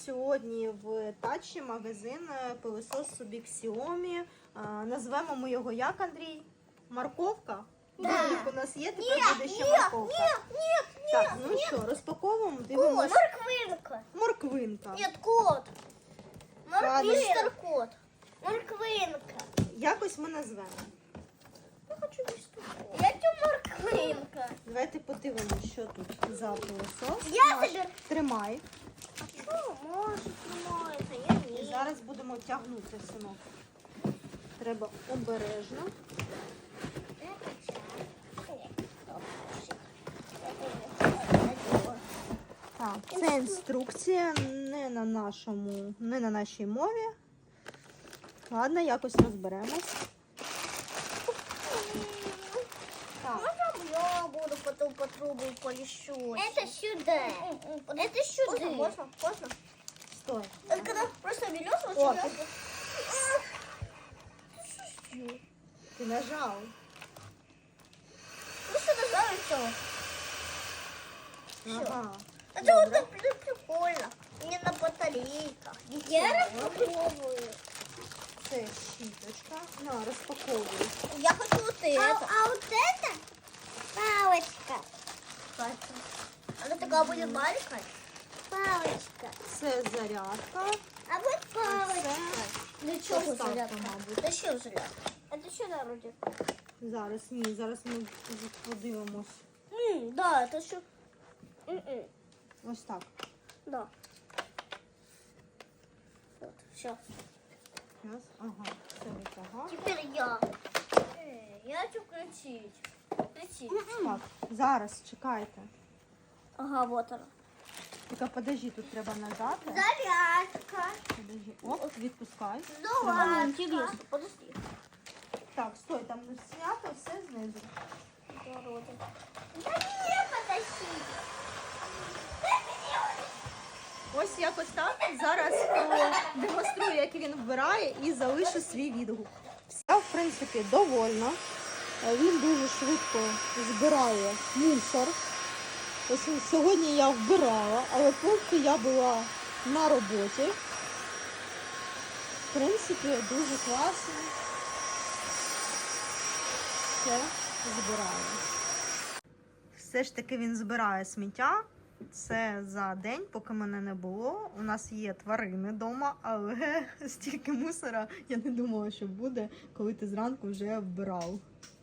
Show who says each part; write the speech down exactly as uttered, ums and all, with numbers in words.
Speaker 1: сьогодні в Тачі магазин пилосос собі Xiaomi. Назвемо ми його як, Андрій? Морковка?
Speaker 2: Да.
Speaker 1: У нас є, тепер буде ще морковка.
Speaker 2: Нет, нет,
Speaker 1: Так, ну що, розпаковуємо, дивимося.
Speaker 2: Морквинка.
Speaker 1: Морквинка.
Speaker 2: Нет, кот.
Speaker 1: Ладно.
Speaker 2: Мистер кот. Морквинка.
Speaker 1: Якось ми назвемо.
Speaker 2: Я хочу мистер кот. Я хочу морквинка.
Speaker 1: Давайте подивимося, що тут за пилосос.
Speaker 2: Я
Speaker 1: Наш.
Speaker 2: собі-
Speaker 1: Тримай.
Speaker 2: А что может снимается? Я
Speaker 1: І
Speaker 2: не.
Speaker 1: зараз будемо тягнути, синок. Треба обережно. Так, це інструкція не на нашому, не на нашій мові. Ладно, якось розберемось. Так,
Speaker 2: Можно я буду потом по трубу полещу? Это сюда. Это сюда. Можно, можно, можно.
Speaker 1: стой.
Speaker 2: Это когда просто берешь, вот
Speaker 1: О,
Speaker 2: сюда.
Speaker 1: ти, ти нажав.
Speaker 2: Просто нажал и все.
Speaker 1: Ага.
Speaker 2: Это вот так при- прикольно. Не на батарейках. Я распаковываю.
Speaker 1: Це щіточка. На, розпаковуй.
Speaker 2: Я хочу вот это. А, вот это палочка. Она такая будет маленькая. Палочка.
Speaker 1: Це зарядка.
Speaker 2: А вот
Speaker 1: палочка.
Speaker 2: Для
Speaker 1: чего зарядка, мабуть?
Speaker 2: Зачем зарядка? Это что народит?
Speaker 1: Зараз, ні, зараз ми подивимось.
Speaker 2: М, да, это что? М-м.
Speaker 1: Ось так.
Speaker 2: Да. Вот, все.
Speaker 1: Раз. Ага, це витягав.
Speaker 2: Теперь я. Э, я хочу включить. Включить.
Speaker 1: Так, зараз, чекайте.
Speaker 2: Ага, вот она.
Speaker 1: Тільки подожди, тут треба нажати.
Speaker 2: Зарядка.
Speaker 1: Подожди. Оп, відпускай.
Speaker 2: Ну
Speaker 1: Треба
Speaker 2: ладно,
Speaker 1: нажати.
Speaker 2: интересно. Подожди.
Speaker 1: Так, стой, там не знято, все знизу.
Speaker 2: Народы. Да не потащи.
Speaker 1: Ось якось так. Зараз демонструю, як він вбирає, і залишу свій відгук. Я, в принципі, довольна. Він дуже швидко збирає мусор. Ось сьогодні я вбирала, але поки я була на роботі. В принципі, дуже класно. Все збирає. Все ж таки він збирає сміття. Це за день, поки мене не було. У нас є тварини вдома, але стільки мусора я не думала, що буде, коли ти зранку вже вбирав.